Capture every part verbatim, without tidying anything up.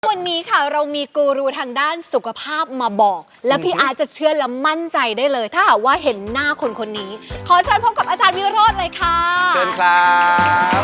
วันนี้ค่ะเรามีกูรูทางด้านสุขภาพมาบอก และพี่อาร์ตจะเชื่อและมั่นใจได้เลย ถ้าหากว่าเห็นหน้าคนคนนี้ ขอเชิญพบกับอาจารย์วิโรจน์เลยค่ะเชิญครับ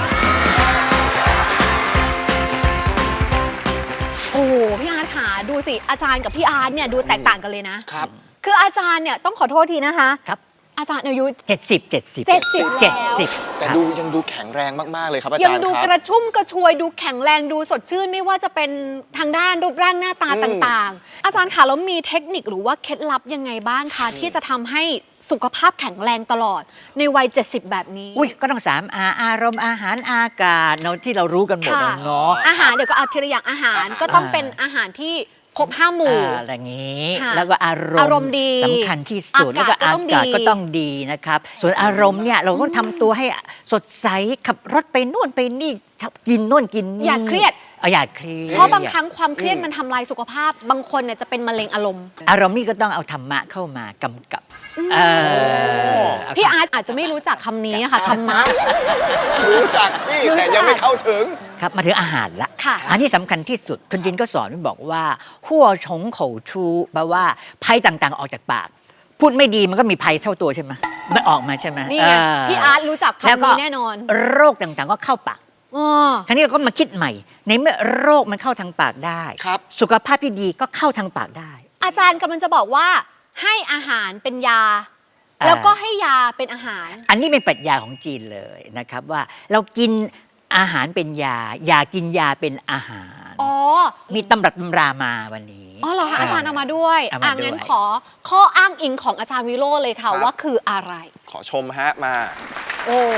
โอ้โหพี่อาร์ตค่ะดูสิอาจารย์กับพี่อาร์ตเนี่ยดูแตกต่างกันเลยนะครับคืออาจารย์เนี่ยต้องขอโทษทีนะคะครับอาจารย์อายุเจ็ดสิบเจ็ดสิบเจ็ดสิบแล้วแต่ดูยังดูแข็งแรงมากๆเลยครับอาจารย์ยังดูครับกระชุ่มกระชวยดูแข็งแรงดูสดชื่นไม่ว่าจะเป็นทางด้านรูปร่างหน้าตาต่างๆ อาจารย์คะแล้วมีเทคนิคหรือว่าเคล็ดลับยังไงบ้างคะที่จะทำให้สุขภาพแข็งแรงตลอดในวัยเจ็ดสิบแบบนี้อุ้ยก็ต้องสามอาอารมณ์อาหารอากาศเนาะที่เรารู้กันหมดเนาะอาหารเดี๋ยวก็เอาทีละอย่างอาหารก็ต้องเป็นอาหารที่ครบห้าหมู่อะไรอย่างนี้แล้วก็อารมณ์อารมณ์ดีสำคัญที่สุดแล้วก็อากาศก็ต้องดีนะครับส่วนอารมณ์เนี่ยเราก็ทำตัวให้สดใสขับรถไปนู่นไปนี่กินนู่นกินนี่อย่าเครียดอย่าเครียดเพราะบางครั้งความเครียดมันทำลายสุขภาพบางคนเนี่ยจะเป็นมะเร็งอารมณ์อารมณ์นี่ก็ต้องเอาธรรมะเข้ามากำกับพี่อาร์ตอาจจะไม่รู้จักคำนี้ค่ะธรรมะรู้จักนี่แต่ยังไม่เข้าถึงครับมาถึงอาหารละอันนี้สำคัญที่สุดคุณจินก็สอนบอกว่าหัวชงเข่าชูแปลว่าภัยต่างๆออกจากปากพูดไม่ดีมันก็มีภัยเท่าตัวใช่ไหมมันออกมาใช่ไหมนี่ไงพี่อาร์ตรู้จักคำนี้แน่นอนโรคต่างๆก็เข้าปากคราวนี้เราก็มาคิดใหม่ในเมื่อโรคมันเข้าทางปากได้สุขภาพที่ดีก็เข้าทางปากได้อาจารย์กำลังจะบอกว่าให้อาหารเป็นยาแล้วก็ให้ยาเป็นอาหารอันนี้เป็นปรัชญาของจีนเลยนะครับว่าเรากินอาหารเป็นยาอย่ากินยาเป็นอาหารอ๋อมีตำรับตำรามาวันนี้อ๋อเหรอคะอาจารย์เอามาด้วยอ่างั้นขอข้ออ้างอิงของอาจารย์วิโรจน์เลยค่ะว่าคืออะไรขอชมฮะมาโอ้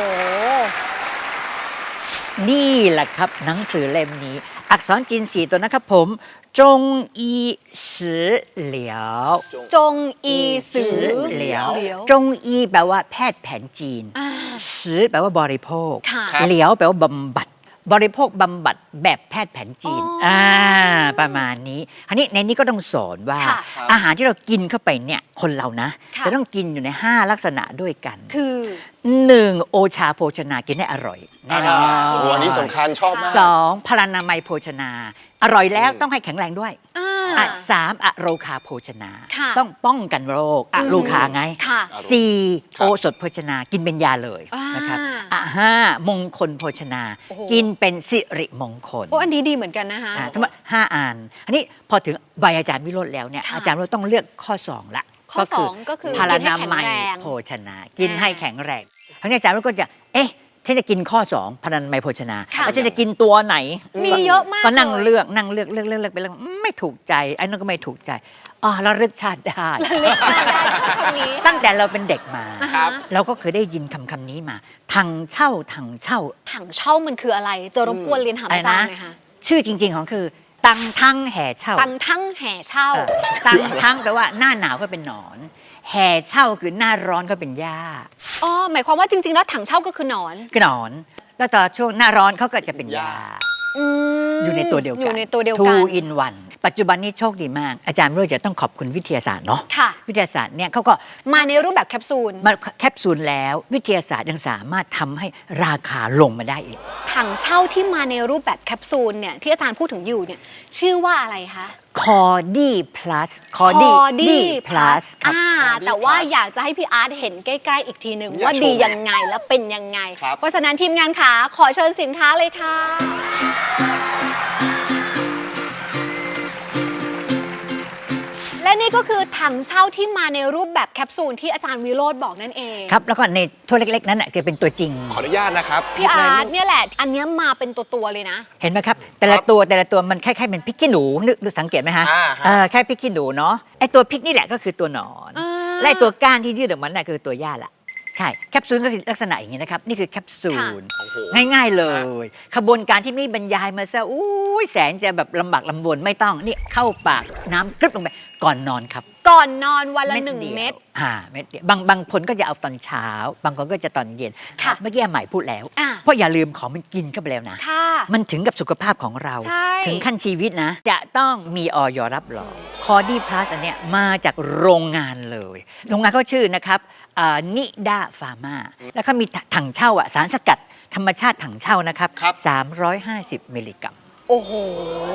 นี่แหละครับหนังสือเล่มนี้อักษรจีนสี่ตัวนะครับผมจงอีสือเหลียวจงอีสือเหลียวจงอีแปลว่าแพทย์แผนจีนสือแปลว่าบริโภคเหลียวแปลว่าบำบัดบริโภคบำบัดแบบแพทย์แผนจีนอ่าประมาณนี้อันนี้ในนี้ก็ต้องสอนว่าอาหารที่เรากินเข้าไปเนี่ยคนเรานะจะต้องกินอยู่ในห้าลักษณะด้วยกันคือหนึ่งโอชาโภชนากินให้อร่อยแน่นอนวันนี้สำคัญชอบมากสองพลานามัยโภชนาอร่อยแล้วต้องให้แข็งแรงด้วยอ่ะสามอโรคาโภชนาต้องป้องกันโรคอะโรคาไงสี่โอสถโภชนากินเป็นยาเลยนะครับอ่ะห้ามงคลโภชนากินเป็นสิริมงคลโอ้อันนี้ดีเหมือนกันนะคะทั้งหมดห้าอันอันนี้พอถึงใบอาจารย์วิโรจน์แล้วเนี่ยอาจารย์วิโรจน์ต้องเลือกข้อสองละข้อสองก็คือพลานามัยโภชนากินให้แข็งแรงครั้งนี้อาจารย์วิโรจน์ก็จะเอ๊ะฉันจะกินข้อสองพลานามัยโภชนาแล้วฉันจะกินตัวไหนมีเยอะมากก็นั่งเลือกนั่งเลือกเลือกเลือกเลือกไปเลือกไม่ถูกใจไอ้นั่นก็ไม่ถูกใจอ๋อเราเลือกชาติได้ตั้งแต่เราเป็นเด็กมาเราก็เคยได้ยินคำคำนี้มาถังเช่าถังเช่าถังเช่ามันคืออะไรจะรบกวนเรียนถามอาจารย์หน่อยค่ะชื่อจริงๆของคือตังทั้งแห่เช่าตังทั้งแห่เช่าตังทั้งแปลว่าหน้าหนาวก็เป็นหนอนแห่เช่าคือหน้าร้อนก็เป็นหญ้าอ๋อหมายความว่าจริงๆแล้วถังเช่าก็คือหนอนคือหนอนแล้วตอนช่วงหน้าร้อนเขาก็จะเป็นหญ้าอยู่ในตัวเดียวกันอยู่ในตัวเดียวกัน two in one ปัจจุบันนี้โชคดีมากอาจารย์วิโรจน์จะต้องขอบคุณวิทยาศาสตร์เนาะวิทยาศาสตร์เนี่ยเขาก็มาในรูปแบบแคปซูลมาแคปซูลแล้ววิทยาศาสตร์ยังสามารถทำให้ราคาลงมาได้อีกถังเช่าที่มาในรูปแบบแคปซูลเนี่ยที่อาจารย์พูดถึงอยู่เนี่ยชื่อว่าอะไรคะคอดี้พลัสคอดี้พลัสอ่าแต่ว่าอยากจะให้พี่อาร์ตเห็นใกล้ๆอีกทีหนึ่งว่าดียังไงและเป็นยังไงเพราะฉะนั้นทีมงานขาขอเชิญสินค้าเลยค่ะและนี่ก็คือถังเช่าที่มาในรูปแบบแคปซูลที่อาจารย์วิโรจน์บอกนั่นเองครับแล้วก็ในถ้วยเล็กๆนั้นคือเป็นตัวจริงขออนุญาตนะครับพี่อาร์ตเนี่ยแหละอันนี้มาเป็นตัวๆเลยนะเห็นไหมครับแต่ละตัวแต่ละตัวมันคล้ายๆเป็นพริกขี้หนูนึกดูสังเกตไหมฮะแค่พริกขี้หนูเนาะไอตัวพริกนี่แหละก็คือตัวหนอนและไอตัวก้านที่ยืดออกมาน่ะคือตัวหญ้าละใช่แคปซูลก็คือลักษณะอย่างนี้นะครับนี่คือแคปซูลง่ายๆเลยขบวนการที่ไม่บรรยายมาซะอู้ยแสนจะแบบลำบากลำบนไม่ต้องนี่เข้าปากน้ำกรึบลงไปก่อนนอนครับก่อนนอนวันละหนึ่งเม็ดอ่าเม็ดเดียวบางบางคนก็จะเอาตอนเช้าบางคนก็จะตอนเย็นเมื่อกี้ใหม่พูดแล้วเพราะอย่าลืมของมันกินเข้าไปแล้วนะมันถึงกับสุขภาพของเราถึงขั้นชีวิตนะจะต้องมีออยรับรองคอดี้พลัสอันเนี้ยมาจากโรงงานเลยโรงงานเขาชื่อนะครับนิดาฟาร์มาแล้วเขามีถังเช่าอ่ะสารสกัดธรรมชาติถังเช่านะครับสามร้อยห้าสิบมิลลิกรัมโอ้โห